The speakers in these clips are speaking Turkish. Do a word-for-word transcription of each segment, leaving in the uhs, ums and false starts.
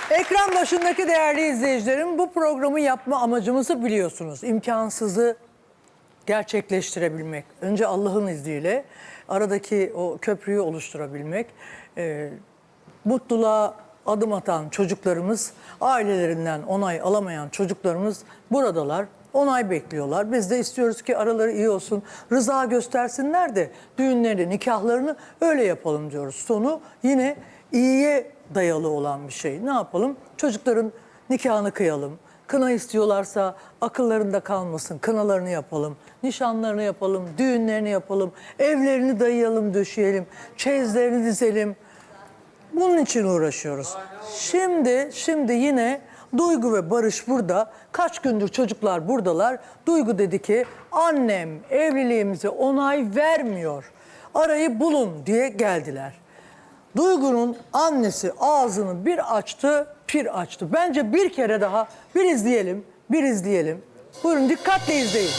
Ekran başındaki değerli izleyicilerim, bu programı yapma amacımızı biliyorsunuz. İmkansızı gerçekleştirebilmek. Önce Allah'ın izniyle aradaki o köprüyü oluşturabilmek. Ee, mutluluğa adım atan çocuklarımız, ailelerinden onay alamayan çocuklarımız buradalar. Onay bekliyorlar. Biz de istiyoruz ki araları iyi olsun, rıza göstersinler de düğünlerini, nikahlarını öyle yapalım diyoruz. Sonu yine iyiye dayalı olan bir şey. Ne yapalım? Çocukların nikahını kıyalım. Kına istiyorlarsa akıllarında kalmasın. Kınalarını yapalım, nişanlarını yapalım, düğünlerini yapalım, evlerini dayayalım, döşeyelim, çeyizlerini dizelim. Bunun için uğraşıyoruz. Şimdi, şimdi yine Duygu ve Barış burada. Kaç gündür çocuklar buradalar. Duygu dedi ki annem evliliğimize onay vermiyor. Arayı bulun diye geldiler. Duygu'nun annesi ağzını bir açtı, pir açtı. Bence bir kere daha bir izleyelim, bir izleyelim. Buyurun dikkatle izleyin.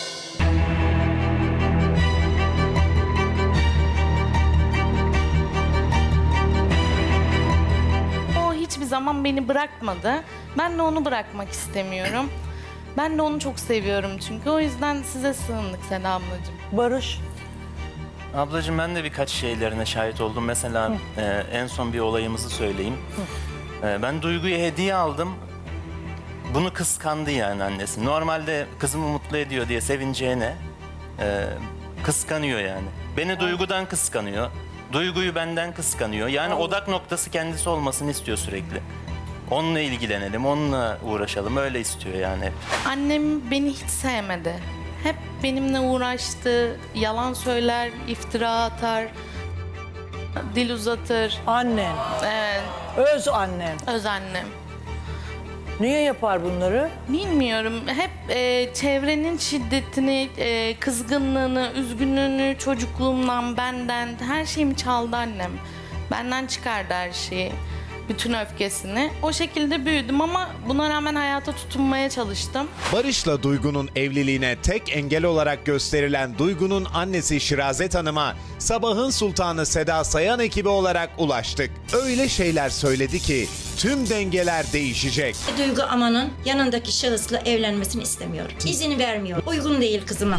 O hiçbir zaman beni bırakmadı. Ben de onu bırakmak istemiyorum. Ben de onu çok seviyorum çünkü. O yüzden size sığındık Seda ablacığım. Barış. Ablacığım ben de birkaç şeylerine şahit oldum. Mesela e, en son bir olayımızı söyleyeyim. E, ben Duygu'ya hediye aldım. Bunu kıskandı yani annesi. Normalde kızımı mutlu ediyor diye sevineceğine e, kıskanıyor yani. Beni Duygu'dan kıskanıyor. Duygu'yu benden kıskanıyor. Yani Allah. odak noktası kendisi olmasını istiyor sürekli. Onunla ilgilenelim, onunla uğraşalım. Öyle istiyor yani hep. Annem beni hiç sevmedi. Hep benimle uğraştı. Yalan söyler, iftira atar, dil uzatır. Annen, Evet, öz annen. öz annem. Niye yapar bunları? Bilmiyorum. Hep e, çevrenin şiddetini, e, kızgınlığını, üzgünlüğünü çocukluğumdan, benden, her şeyimi çaldı annem. Benden çıkardı her şeyi. Bütün öfkesini. O şekilde büyüdüm ama buna rağmen hayata tutunmaya çalıştım. Barış'la Duygu'nun evliliğine tek engel olarak gösterilen Duygu'nun annesi Şirazet Hanım'a Sabahın Sultanı Seda Sayan ekibi olarak ulaştık. Öyle şeyler söyledi ki tüm dengeler değişecek. Duygu Aman'ın yanındaki şahısla evlenmesini istemiyorum. İzin vermiyor. Uygun değil kızıma.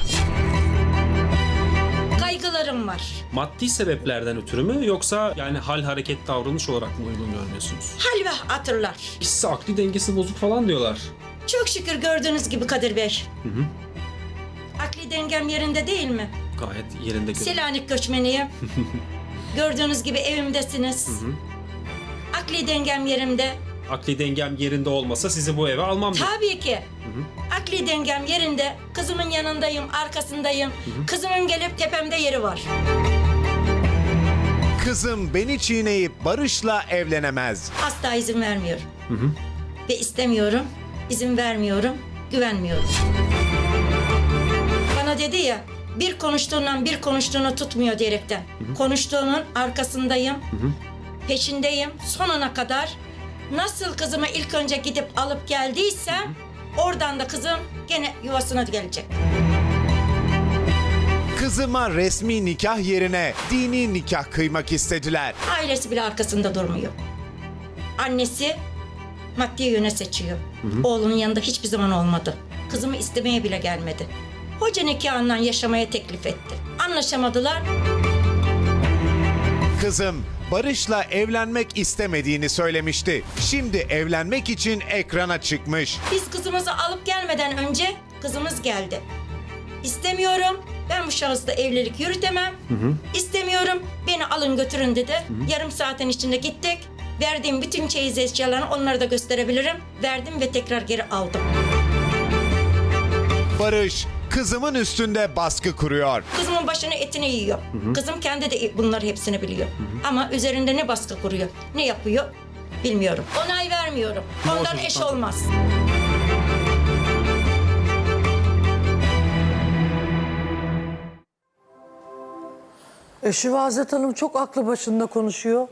Kaygılarım var. Maddi sebeplerden ötürü mü yoksa yani hal hareket davranış olarak mı uygun görmüyorsunuz? Hal ve hatırlar. İkisi akli dengesi bozuk falan diyorlar. Çok şükür gördüğünüz gibi Kadir Bey. Hı hı. Akli dengem yerinde değil mi? Gayet yerinde görünüyor. Selanik göçmeniyim. Gördüğünüz gibi evimdesiniz. Hı hı. Akli dengem yerimde. Akli dengem yerinde olmasa sizi bu eve almam diyor. Tabii ki. Hı hı. Akli dengem yerinde. Kızımın yanındayım, arkasındayım. Hı hı. Kızımın gelip tepemde yeri var. Kızım beni çiğneyip Barış'la evlenemez. Asla izin vermiyorum. Hı hı. Ve istemiyorum, izin vermiyorum, güvenmiyorum. Bana dedi ya, bir konuştuğundan bir konuştuğunu tutmuyor diyerekten. Hı hı. Konuştuğunun arkasındayım, hı hı. peşindeyim, sonuna kadar. Nasıl kızımı ilk önce gidip alıp geldiysem, hı hı. oradan da kızım gene yuvasına gelecek. Kızıma resmi nikah yerine dini nikah kıymak istediler. Ailesi bile arkasında durmuyor. Annesi maddi yöne seçiyor. Hı hı. Oğlunun yanında hiçbir zaman olmadı. Kızımı istemeye bile gelmedi. Hoca nikahından yaşamaya teklif etti. Anlaşamadılar. Kızım Barış'la evlenmek istemediğini söylemişti. Şimdi evlenmek için ekrana çıkmış. Biz kızımızı alıp gelmeden önce kızımız geldi. İstemiyorum. Ben bu şahısla evlilik yürütemem. Hı hı. İstemiyorum. Beni alın götürün dedi. Hı hı. Yarım saatin içinde gittik. Verdiğim bütün çeyiz eşyalarını onları da gösterebilirim. Verdim ve tekrar geri aldım. Barış kızımın üstünde baskı kuruyor. Kızımın başını etini yiyor. Hı hı. Kızım kendi de bunları hepsini biliyor. Hı hı. Ama üzerinde ne baskı kuruyor, ne yapıyor bilmiyorum. Onay vermiyorum. Ondan eş olmaz. E, Şivazet Hanım çok aklı başında konuşuyor.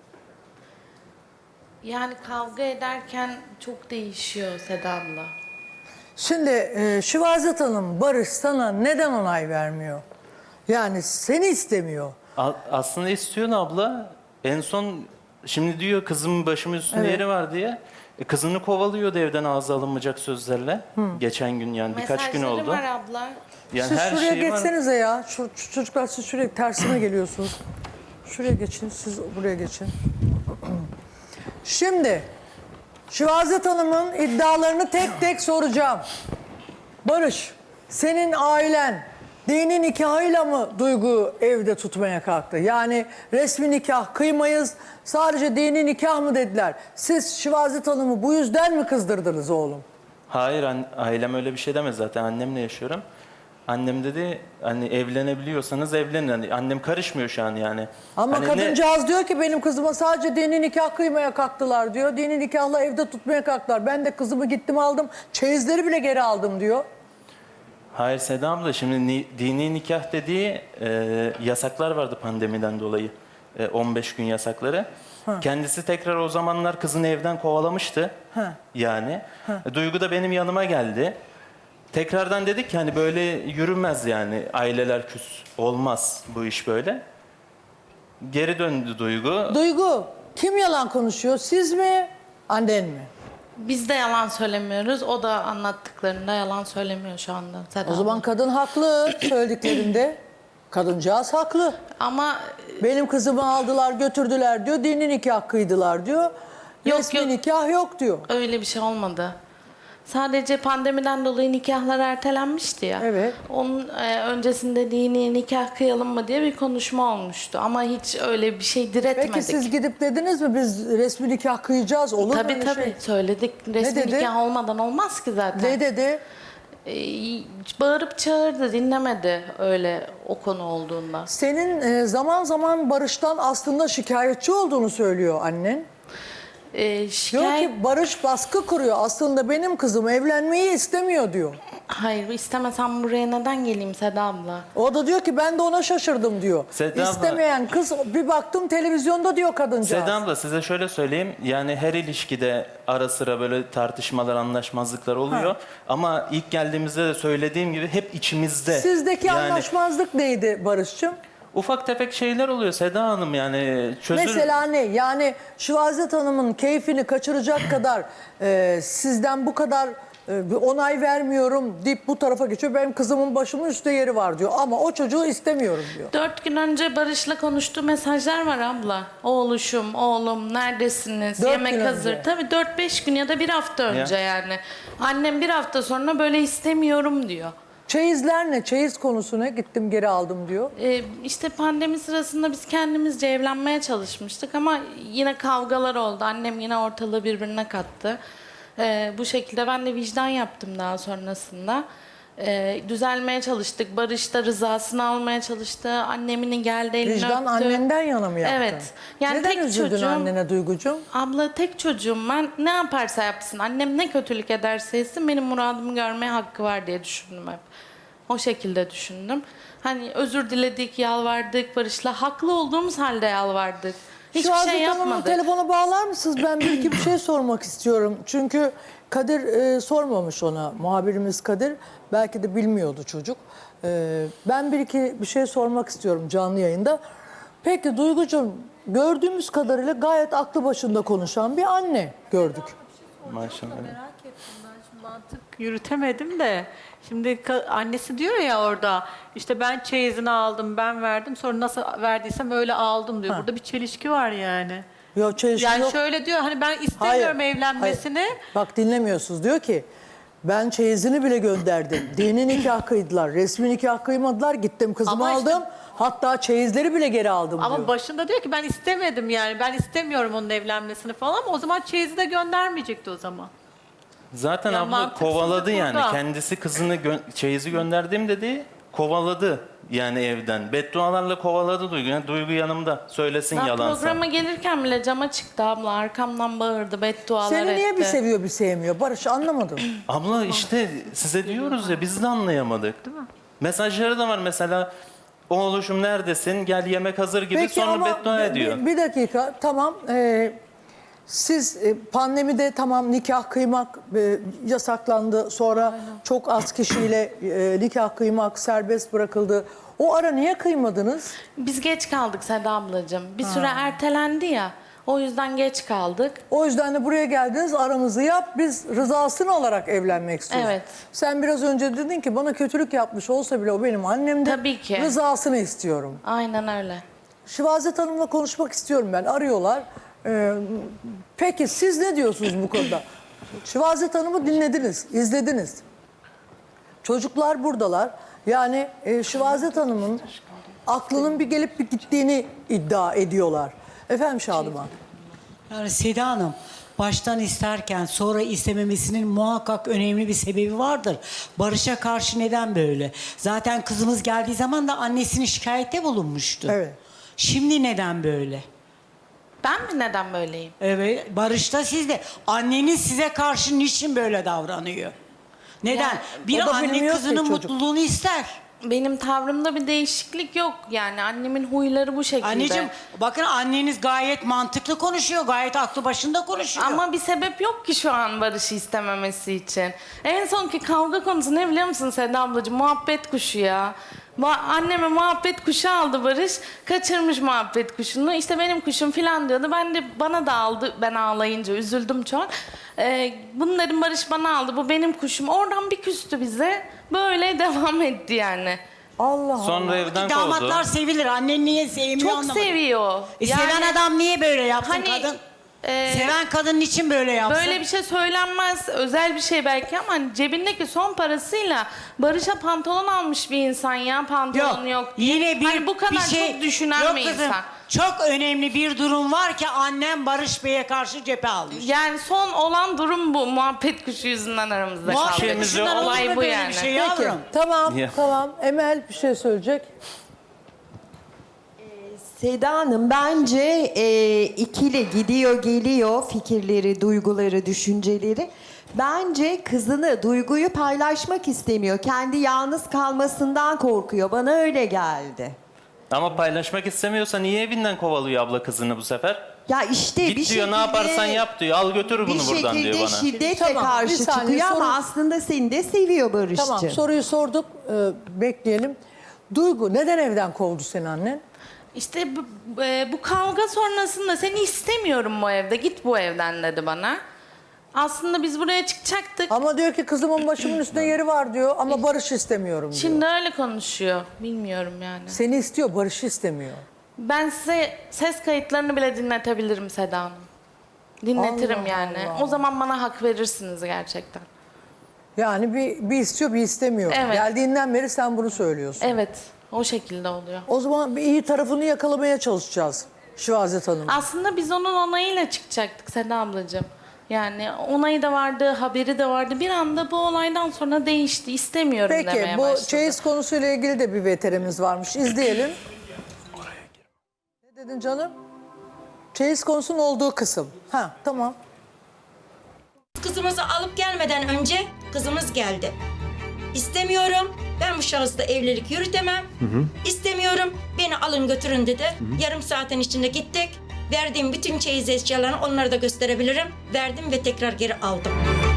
Yani kavga ederken çok değişiyor Seda abla. Şimdi e, Şivazet Hanım, Barış sana neden onay vermiyor? Yani seni istemiyor. A- aslında istiyorsun abla. En son Şimdi diyor kızımın başımın üstünde Evet. yeri var diye. E, kızını kovalıyordu evden ağza alınmayacak sözlerle. Geçen gün yani birkaç gün Mesajları oldu. var abla. Yani Siz her şuraya şeyi var. geçsenize ya. Şu, şu çocuklar siz şuraya tersine geliyorsunuz. Şuraya geçin, siz buraya geçin. Şimdi Şivazet Hanım'ın iddialarını tek tek soracağım. Barış, senin ailen dini nikahıyla mı Duygu evde tutmaya kalktı? Yani resmi nikah kıymayız, sadece dini nikah mı dediler? Siz Şivazet Hanım'ı bu yüzden mi kızdırdınız oğlum? Hayır an- ailem öyle bir şey demez zaten annemle yaşıyorum. Annem dedi hani evlenebiliyorsanız evlenin. Hani annem karışmıyor şu an yani. Ama Hani ne- kadıncağız diyor ki benim kızıma sadece dini nikah kıymaya kalktılar diyor. Dini nikahla evde tutmaya kalktılar. Ben de kızımı gittim aldım. Çeyizleri bile geri aldım diyor. Hayır Seda abla şimdi ni- dini nikah dediği e, yasaklar vardı pandemiden dolayı. E, on beş gün yasakları. Kendisi tekrar o zamanlar kızını evden kovalamıştı. Ha. Yani. E, Duygu da benim yanıma geldi. Tekrardan dedik ki hani böyle yürümez yani aileler küs. Olmaz bu iş böyle. Geri döndü Duygu. Duygu, kim yalan konuşuyor? Siz mi? Annen mi? Biz de yalan söylemiyoruz. O da anlattıklarında yalan söylemiyor şu anda. Seda O zaman abla. kadın haklı söylediklerinde. Kadıncağız haklı. Ama Benim kızımı aldılar götürdüler diyor. Dini nikah kıydılar diyor. Yok, Resmi yok. nikah yok diyor. öyle bir şey olmadı. Sadece pandemiden dolayı nikahlar ertelenmişti ya. Evet. Onun e, öncesinde dini nikah kıyalım mı diye bir konuşma olmuştu. Ama hiç öyle bir şey diretmedik. Peki siz gidip dediniz mi biz resmi nikah kıyacağız olur mu Tabii öyle tabii şey? söyledik. Resmi dedi? nikah olmadan olmaz ki zaten. Ne dedi? E, bağırıp çağırdı, dinlemedi öyle o konu olduğunda. Senin e, zaman zaman Barış'tan aslında şikayetçi olduğunu söylüyor annen. E, Diyor şikayet... ki Barış baskı kuruyor. Aslında benim kızım evlenmeyi istemiyor diyor. Hayır istemesem buraya neden geleyim Seda abla? O da diyor ki ben de ona şaşırdım diyor. Seda abla- İstemeyen kız bir baktım televizyonda diyor kadıncağız. Seda abla size şöyle söyleyeyim. Yani her ilişkide ara sıra böyle tartışmalar, anlaşmazlıklar oluyor. Ha. Ama ilk geldiğimizde de söylediğim gibi hep içimizde. Sizdeki yani anlaşmazlık neydi Barış'cığım? ufak tefek şeyler oluyor Seda Hanım yani çözül... Mesela ne? Yani Şivazet Hanım'ın keyfini kaçıracak kadar e, sizden bu kadar e, bir onay vermiyorum deyip bu tarafa geçiyor. Benim kızımın başımın üstte yeri var diyor. Ama o çocuğu istemiyorum diyor. Dört gün önce Barış'la konuştuğu mesajlar var abla. Oğluşum, oğlum neredesiniz? Dört Yemek gün hazır. önce. Tabii dört beş gün ya da bir hafta önce Ya. yani. Annem bir hafta sonra böyle istemiyorum diyor. Çeyizler ne? Çeyiz konusu ne? Gittim geri aldım diyor. Ee, işte pandemi sırasında biz kendimizce evlenmeye çalışmıştık ama yine kavgalar oldu. Annem yine ortalığı birbirine kattı. Ee, bu şekilde ben de vicdan yaptım daha sonrasında. Ee, düzelmeye çalıştık. Barış da rızasını almaya çalıştı. Anneminin geldi elini Vicdan öptü. annenden yana mı yaptın? Evet. Yani Neden tek üzüldün çocuğum- annene Duygucuğum? Abla tek çocuğum ben. Ne yaparsa yapsın. Annem ne kötülük ederse etsin benim muradımı görmeye hakkı var diye düşündüm hep. O şekilde düşündüm. Hani özür diledik, yalvardık Barış'la. Haklı olduğumuz halde yalvardık. Hiçbir Şivazet şey Hanım'ın yapmadık. telefona bağlar mısınız? Ben bir iki bir şey sormak istiyorum. Çünkü Kadir e, sormamış ona. Muhabirimiz Kadir. Belki de bilmiyordu çocuk. E, ben bir iki bir şey sormak istiyorum canlı yayında. Peki Duygucuğum gördüğümüz kadarıyla gayet aklı başında konuşan bir anne gördük. Maşallah. Merak ettim ben şimdi mantık yürütemedim de. Şimdi ka- annesi diyor ya orada işte ben çeyizini aldım ben verdim sonra nasıl verdiysem öyle aldım diyor. Ha. Burada bir çelişki var yani. Yok çelişki Yani yok. şöyle diyor hani ben istemiyorum evlenmesini. hayır. Bak dinlemiyorsunuz. Diyor ki ben çeyizini bile gönderdim. Dini nikah kıydılar. Resmi nikah kıymadılar. Gittim kızımı Ama işte- aldım. Hatta çeyizleri bile geri aldım Ama diyor. başında diyor ki ben istemedim yani ben istemiyorum onun evlenmesini falan ama o zaman çeyizi de göndermeyecekti o zaman. Zaten Ya abla mantıksızlık kovaladı yani. burada. Kendisi kızını gö- çeyizi gönderdim dedi. Kovaladı yani evden. Beddualarla kovaladı Duygu. Yani Duygu yanımda. Söylesin Ben yalansa. programa gelirken bile cama çıktı abla. Arkamdan bağırdı, beddualar Seni etti. niye bir seviyor bir sevmiyor? Barış anlamadım. Abla işte size diyoruz ya biz de anlayamadık. Değil mi? Mesajları da var mesela. Oğluşum neredesin? Gel yemek hazır gibi Peki sonra ama beddua bir- ediyor. Bir, bir dakika tamam. Ee, siz e, pandemide tamam nikah kıymak e, yasaklandı. Sonra çok az kişiyle e, nikah kıymak serbest bırakıldı. O ara niye kıymadınız? Biz geç kaldık Seda ablacığım. Bir süre ertelendi ya. O yüzden geç kaldık. O yüzden de buraya geldiniz, aramızı yap. Biz rızasını alarak evlenmek istiyoruz. Evet. Sen biraz önce dedin ki bana kötülük yapmış olsa bile o benim annemdir. Tabii ki. Rızasını istiyorum. Aynen öyle. Şivazet Hanım'la konuşmak istiyorum ben. Arıyorlar. Ee, peki siz ne diyorsunuz bu konuda? Şivazet Hanım'ı dinlediniz, izlediniz. Çocuklar buradalar. Yani e, Şivazet Hanım'ın aklının bir gelip bir gittiğini iddia ediyorlar. Efendim Şadıman. Yani Seda Hanım baştan isterken sonra istememesinin muhakkak önemli bir sebebi vardır. Barış'a karşı neden böyle? Zaten kızımız geldiği zaman da annesini şikayette bulunmuştu. Evet. Şimdi neden böyle? Ben mi neden böyleyim? Evet, Barış'ta sizde. Anneniz size karşı niçin böyle davranıyor? Neden? Ya, bir o da anne bilmiyor ki kızının çocuk. mutluluğunu ister. Benim tavrımda bir değişiklik yok. Yani annemin huyları bu şekilde. Anneciğim bakın anneniz gayet mantıklı konuşuyor. Gayet aklı başında konuşuyor. Ama bir sebep yok ki şu an Barış'ı istememesi için. En sonki kavga konusu ne biliyor musun Seda ablacığım? Muhabbet kuşu ya. Va- Anneme muhabbet kuşu aldı Barış. Kaçırmış muhabbet kuşunu. İşte benim kuşum falan diyordu. Ben de bana da aldı. Ben ağlayınca üzüldüm çok. Ee, bunu dedim Barış bana aldı. Bu benim kuşum. Oradan bir küstü bize. Böyle devam etti yani. Allah Sonra Allah. evden Damatlar kovdu. sevilir. Annen niye sevmiyor Çok anlamadım. seviyor. E, Yani seven adam niye böyle yapsın hani, kadın? e, Seven kadın niçin böyle yapsın? Böyle bir şey söylenmez. Özel bir şey belki ama hani cebindeki son parasıyla Barış'a pantolon almış bir insan ya. Pantolon yok, diye. Yine bir, Hani bu kadar bir şey, çok düşünen yok bir kızım, insan. Çok önemli bir durum var ki annem Barış Bey'e karşı cephe almış. Yani son olan durum bu. Muhabbet kuşu yüzünden aramızda kaldı. Muhabbet şeyimiz kuşundan yok. olur Olay mu bu böyle yani. bir şey Peki, yavrum? tamam, Ya. tamam. Emel bir şey söyleyecek. Seda Hanım bence e, ikili gidiyor geliyor fikirleri, duyguları, düşünceleri. Bence kızını, duyguyu paylaşmak istemiyor. Kendi yalnız kalmasından korkuyor. Bana öyle geldi. Ama paylaşmak istemiyorsa niye evinden kovalıyor abla kızını bu sefer? Ya işte Git bir diyor şekilde... ne yaparsan yap diyor. Al götür bunu Bir buradan diyor şekilde bana. şiddetle Tamam, bir karşı saniye, çıkıyor soru- ama aslında seni de seviyor Barış'cığım. Tamam, soruyu sorduk. Ee, bekleyelim. Duygu, neden evden kovdu seni annen? İşte bu, e, bu kavga sonrasında seni istemiyorum bu evde. Git bu evden dedi bana. Aslında biz buraya çıkacaktık. Ama diyor ki kızımın başımın üstünde yeri var diyor ama Barış istemiyorum diyor. Şimdi öyle konuşuyor. Bilmiyorum yani. Seni istiyor, Barış'ı istemiyor. Ben size ses kayıtlarını bile dinletebilirim Seda Hanım. Dinletirim Allah yani. Allah. O zaman bana hak verirsiniz gerçekten. Yani bir, bir istiyor, bir istemiyor. Evet. Geldiğinden beri sen bunu söylüyorsun. Evet, o şekilde oluyor. O zaman bir iyi tarafını yakalamaya çalışacağız Şivazet Hanım. Aslında biz onun onayıyla çıkacaktık Seda ablacığım. Yani onayı da vardı, haberi de vardı. Bir anda bu olaydan sonra değişti. İstemiyorum Peki demeye bu başladı. çeyiz konusuyla ilgili de bir veterimiz varmış. İzleyelim. Ne dedin canım? Çeyiz konusunun olduğu kısım. Ha tamam. Kızımızı alıp gelmeden önce kızımız geldi. İstemiyorum. Ben bu şahısla evlilik yürütemem. İstemiyorum. Beni alın götürün dedi. Yarım saatin içinde gittik. Verdiğim bütün çeyiz eşyalarını onlara da gösterebilirim. Verdim ve tekrar geri aldım.